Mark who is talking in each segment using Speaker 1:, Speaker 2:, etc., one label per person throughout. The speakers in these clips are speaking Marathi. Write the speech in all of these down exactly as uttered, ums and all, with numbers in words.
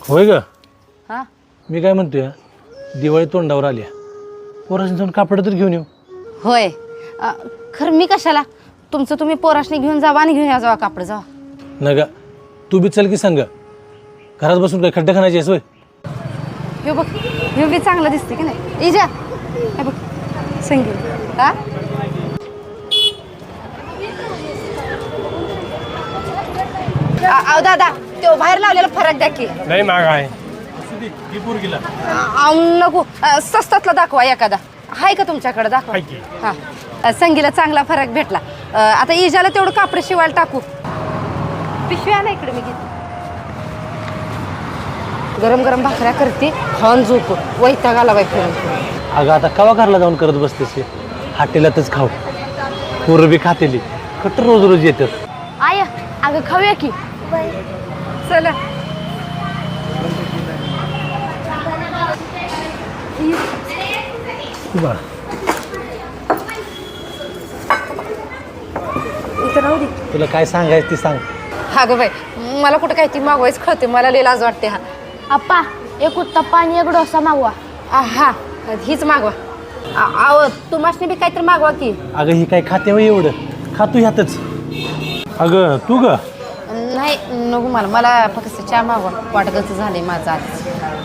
Speaker 1: होय ग
Speaker 2: हां
Speaker 1: मी काय म्हणतोय दिवाळी तोंडावर आल्या पोराशी जाऊन कापड तर घेऊन येऊ.
Speaker 2: होय अ, खरं मी कशाला तुमचं तुम्ही पोराशनी घेऊन जावा आणि घेऊन या जावा कापड जावा.
Speaker 1: न ग तू बी चल की संग घरात बसून काय खड्डे खाण्याची आहेस होय.
Speaker 2: हे बघ हे बी चांगलं दिसते की नाही इजा हे बघ संगीत हा अहो दादा तो बाहेर लावलेला फरक द्या की.
Speaker 1: नाही माग आहे
Speaker 2: अहो नको अ, स्वस्तातला दाखवा एखादा आहे का तुमच्याकडे दाखवा. हां अ, संगीला चांगला फरक भेटला. अ, आता इजाला तेवढं कापड शिवायला टाकू. पिशवी आणा इकडे मी घेते. गरम गरम भाकऱ्या करते खाऊन झोप वैताग आला बाई फिरून फिरून.
Speaker 1: अगं आता कवा घरला जाऊन करत बसतेस हे? हाटेलातच खाऊ पोरं बी खातेली खट रोज रोज येतात.
Speaker 2: आय अगं खाऊया की चला.
Speaker 1: बरं
Speaker 2: इथं राहू दे.
Speaker 1: तुला काय सांगायचं ती सांग.
Speaker 2: अगं बाई मला कुठं काय ती मागवायच कळते मला लई लाज वाटते. हा
Speaker 3: अप्पा एक उत्तप्पा आणि एक डोसा मागवा.
Speaker 2: हा हीच मागवा. आव तुम्हाला बी काहीतरी मागवा की.
Speaker 1: अगं ही काय खाते वय एवढं खातू ह्यातच. अगं तू ग
Speaker 2: नाही नको मला मला फक्त चहा मागवा वाटतच झाले माझं आज.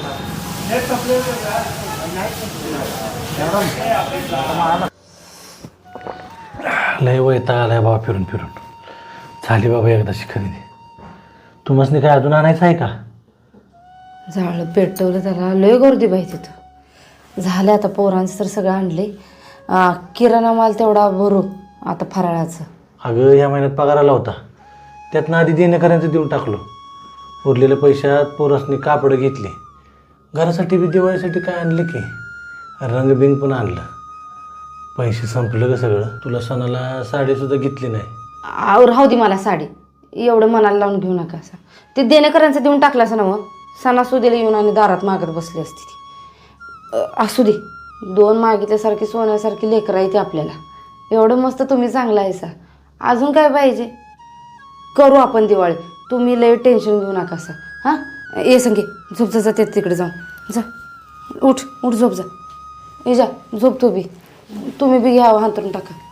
Speaker 1: लय वैताग आलाय बाबा फिरून फिरून. झाली बाबा एकदाची खरेदी. तुम्हाला काय अजून आणायचं आहे का?
Speaker 2: झालं पेटवलं त्याला लय गर्दी बाई तिथं. झालं आता पोरांचं तर सगळं आणले. किराणा माल तेवढा भरू आता फराळाचं.
Speaker 1: अगं या महिन्यात पगार आला होता त्यातनं आधी देणेकऱ्यांचं देऊन टाकलो. उरलेल्या पैशात पोरासनी कापडं घेतली. घरासाठी बी दिवाळीसाठी काय आणलं की रंगबिंग पण आणलं. पैसे संपलं ग सगळं. तुला सणाला साडीसुद्धा घेतली नाही.
Speaker 2: आव राहू दे मला साडी एवढं मनाला लावून घेऊ नका असं. ते देणेकऱ्यांचं देऊन टाकलं असं ना मग सणासुदीला येऊन आणि दारात मागत बसली असती ती. असू दे दोन मागितल्यासारखी सोन्यासारखी लेकरं आहे ती आपल्याला. एवढं मस्त तुम्ही चांगला आहे सा. अजून काय पाहिजे करू आपण दिवाळी. तुम्ही लय टेन्शन घेऊ नका असं. हां ये संगे झोप जा जाते तिकडे जाऊन जा. उठ उठ झोप जा. ये जा झोप तू बी. तुम्ही बी घ्यावं हांतरून टाका.